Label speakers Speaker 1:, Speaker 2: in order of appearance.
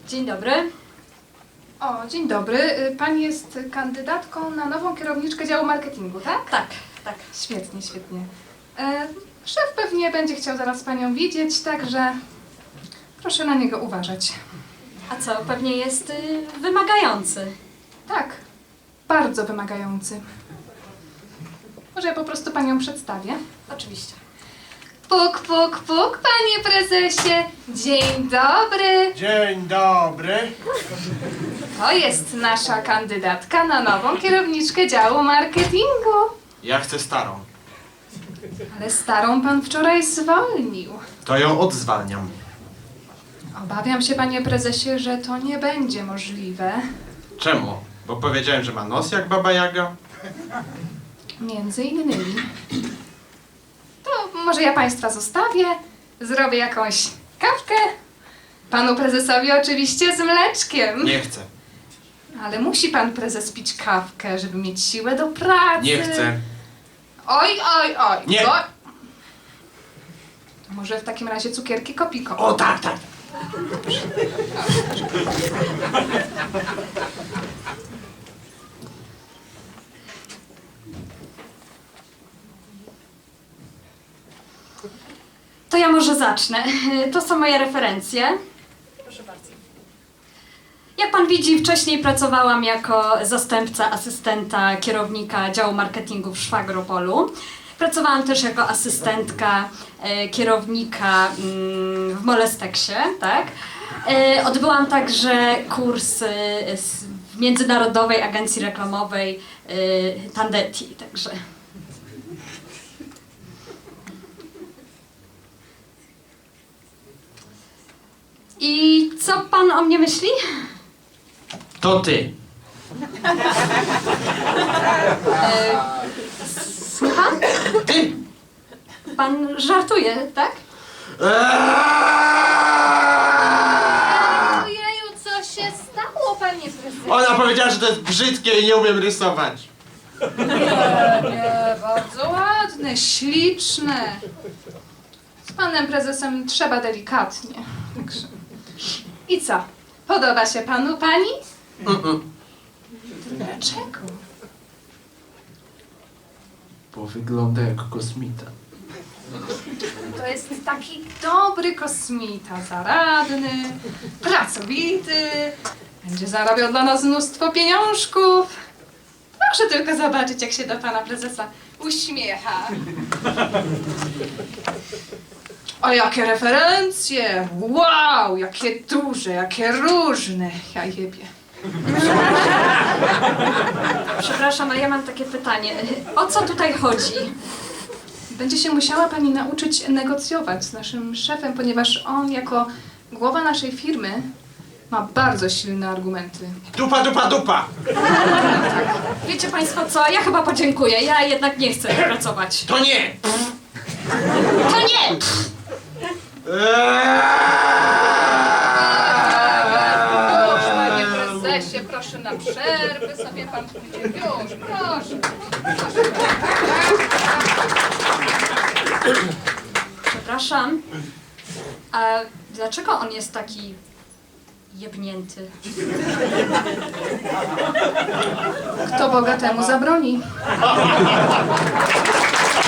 Speaker 1: Dzień dobry.
Speaker 2: O, dzień dobry. Pani jest kandydatką na nową kierowniczkę działu marketingu, tak?
Speaker 1: Tak, tak.
Speaker 2: Świetnie, świetnie. Szef pewnie będzie chciał zaraz panią widzieć, także proszę na niego uważać.
Speaker 1: A co, pewnie jest wymagający.
Speaker 2: Tak, bardzo wymagający. Może ja po prostu panią przedstawię?
Speaker 1: Oczywiście.
Speaker 2: Puk, puk, puk, panie prezesie. Dzień dobry.
Speaker 3: Dzień dobry.
Speaker 2: To jest nasza kandydatka na nową kierowniczkę działu marketingu.
Speaker 3: Ja chcę starą.
Speaker 2: Ale starą pan wczoraj zwolnił.
Speaker 3: To ją odzwalniam.
Speaker 2: Obawiam się, panie prezesie, że to nie będzie możliwe.
Speaker 3: Czemu? Bo powiedziałem, że ma nos jak Baba Jaga?
Speaker 2: Między innymi. To może ja państwa zostawię, zrobię jakąś kawkę. Panu prezesowi oczywiście z mleczkiem.
Speaker 3: Nie chcę.
Speaker 2: Ale musi pan prezes pić kawkę, żeby mieć siłę do pracy.
Speaker 3: Nie chcę.
Speaker 2: Oj, oj, oj.
Speaker 3: Nie.
Speaker 2: To może w takim razie cukierki Kopiko.
Speaker 3: O tak, tak.
Speaker 1: To ja może zacznę. To są moje referencje. Proszę bardzo. Jak pan widzi, wcześniej pracowałam jako zastępca asystenta kierownika działu marketingu w Szwagropolu. Pracowałam też jako asystentka kierownika w Molesteksie, tak? Odbyłam także kurs w Międzynarodowej Agencji Reklamowej Tandeti, także. I co pan o mnie myśli?
Speaker 3: To ty.
Speaker 1: Słucham?
Speaker 3: Ty!
Speaker 1: Pan żartuje, tak?
Speaker 2: Ojeju, co się stało, panie prezesie?
Speaker 3: Ona powiedziała, że to jest brzydkie i nie umiem rysować.
Speaker 2: Nie, bardzo ładne, śliczne. Z panem prezesem trzeba delikatnie. Także. I co? Podoba się panu pani? Dlaczego?
Speaker 3: Bo wygląda jak kosmita.
Speaker 2: To jest taki dobry kosmita, zaradny, pracowity, będzie zarabiał dla nas mnóstwo pieniążków. Proszę tylko zobaczyć, jak się do pana prezesa uśmiecha. O, jakie referencje! Wow, jakie duże, jakie różne. Ja jebie.
Speaker 1: Przepraszam, ale ja mam takie pytanie. O co tutaj chodzi?
Speaker 2: Będzie się musiała pani nauczyć negocjować z naszym szefem, ponieważ on jako głowa naszej firmy ma bardzo silne argumenty.
Speaker 3: Dupa, dupa, dupa!
Speaker 1: Wiecie państwo co? Ja chyba podziękuję. Ja jednak nie chcę pracować.
Speaker 3: To nie!
Speaker 1: To nie!
Speaker 2: Już, panie prezesie, proszę na przerwę, sobie pan pójdzie. Już, proszę.
Speaker 1: Przepraszam. A dlaczego on jest taki jebnięty?
Speaker 2: Kto Boga temu zabroni?